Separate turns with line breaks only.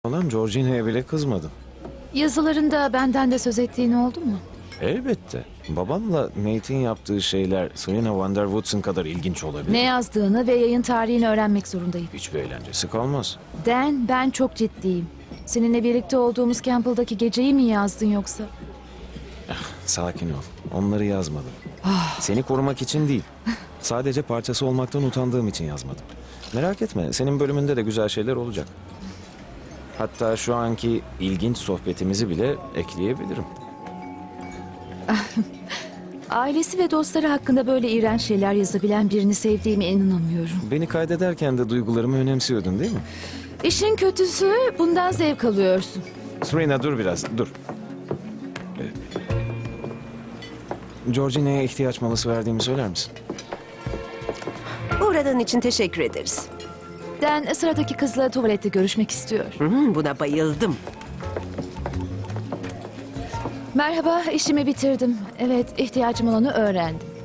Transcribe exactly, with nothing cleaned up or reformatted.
Olan Georgina'ya bile kızmadım.
Yazılarında benden de söz ettiğin oldu mu?
Elbette. Babamla Nate'in yaptığı şeyler Serena Van der Woodsen kadar ilginç olabilir.
Ne yazdığını ve yayın tarihini öğrenmek zorundayım.
Hiçbir eğlencesi kalmaz.
Dan, ben çok ciddiyim. Seninle birlikte olduğumuz Campbell'daki geceyi mi yazdın yoksa?
Sakin ol. Onları yazmadım. Seni korumak için değil. Sadece parçası olmaktan utandığım için yazmadım. Merak etme, senin bölümünde de güzel şeyler olacak. Hatta şu anki ilginç sohbetimizi bile ekleyebilirim.
Ailesi ve dostları hakkında böyle iğrenç şeyler yazabilen birini sevdiğime inanamıyorum.
Beni kaydederken de duygularımı önemsiyordun değil mi?
İşin kötüsü bundan zevk alıyorsun.
Serena dur biraz, dur. Ee, Georgina'ya ihtiyaç molası verdiğimi söyler misin?
Uğradığın için teşekkür ederiz.
Dan sıradaki kızla tuvalette görüşmek istiyor.
Hı, buna bayıldım.
Merhaba, işimi bitirdim. Evet, ihtiyacım olanı öğrendim.